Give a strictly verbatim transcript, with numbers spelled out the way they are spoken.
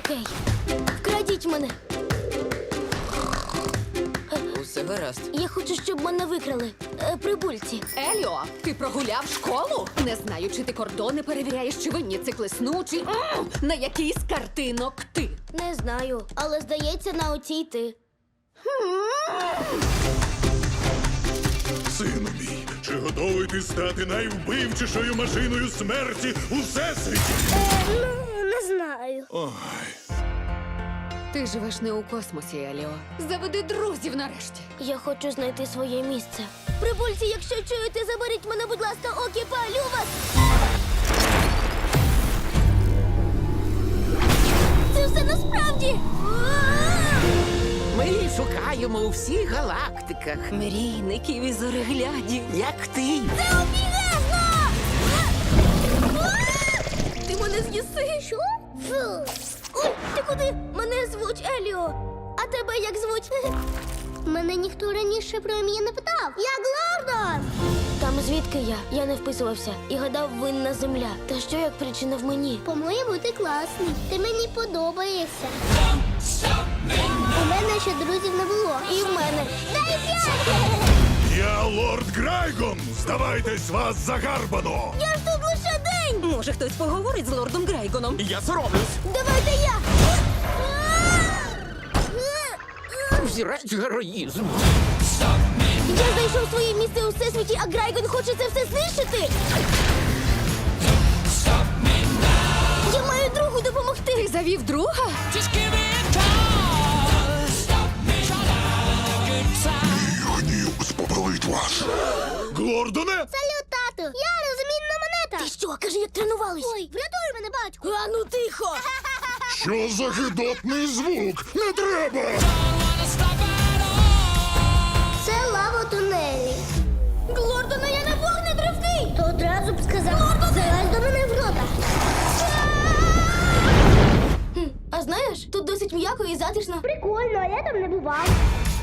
Окей. Вкрадіть мене. Усе гаразд. Я хочу, щоб мене викрали. Е, прибульці. Еліо, ти прогуляв школу? Не знаю, чи ти кордони перевіряєш, чи винні циклесну, чи М! на який з картинок ти. Не знаю, але здається, на оцій ти. Сину мій, чи готовий ти стати найвбивчішою машиною смерті у всесвіті? Ну, не знаю. Ой, Ти живеш не у космосі, Еліо. Заведи друзів нарешті. Я хочу знайти своє місце. Прибульці, якщо чуєте, заберіть мене, будь ласка, окі, палю вас! Це все насправді! Ми її шукаємо у всіх галактиках. Мрійників і зореглядів. Як ти? Це обігезно! Ти мене з'їси? Що? Фу. Ой, ти куди? Мене звуть Еліо. А тебе як звуть? Мене ніхто раніше про ім'я не питав. Я Глордон! Там звідки я? Я не вписувався і гадав, винна земля. Та що як причина в мені? По-моєму, ти класний. Ти мені подобаєшся. У мене ще друзів не було. І в мене. Дай п'ять! я лорд Грайгон! Здавайтесь, вас загарбано! Я ж тут лише день! Може, хтось поговорить з лордом Грейгоном? Я соромлюсь! Давайте я! Взірець героїзму. Я знайшов своє місце у всесвіті, а Грайгон хоче це все знищити! Я маю другу допомогти! Ти завів друга? Гнів спопалить вас! Глордоне! Салют, тату! Я розмінна монета! Ти що, кажи, як тренувались? Ой, врятуй мене, батьку! А ну тихо! Що за гидотний звук? Не треба! Це лава тунелі. Глордоне, я не вогнетривкий! То одразу б сказав, залазь до мене в рота. Хм, а знаєш, тут досить м'яко і затишно. Прикольно, а я там не бував.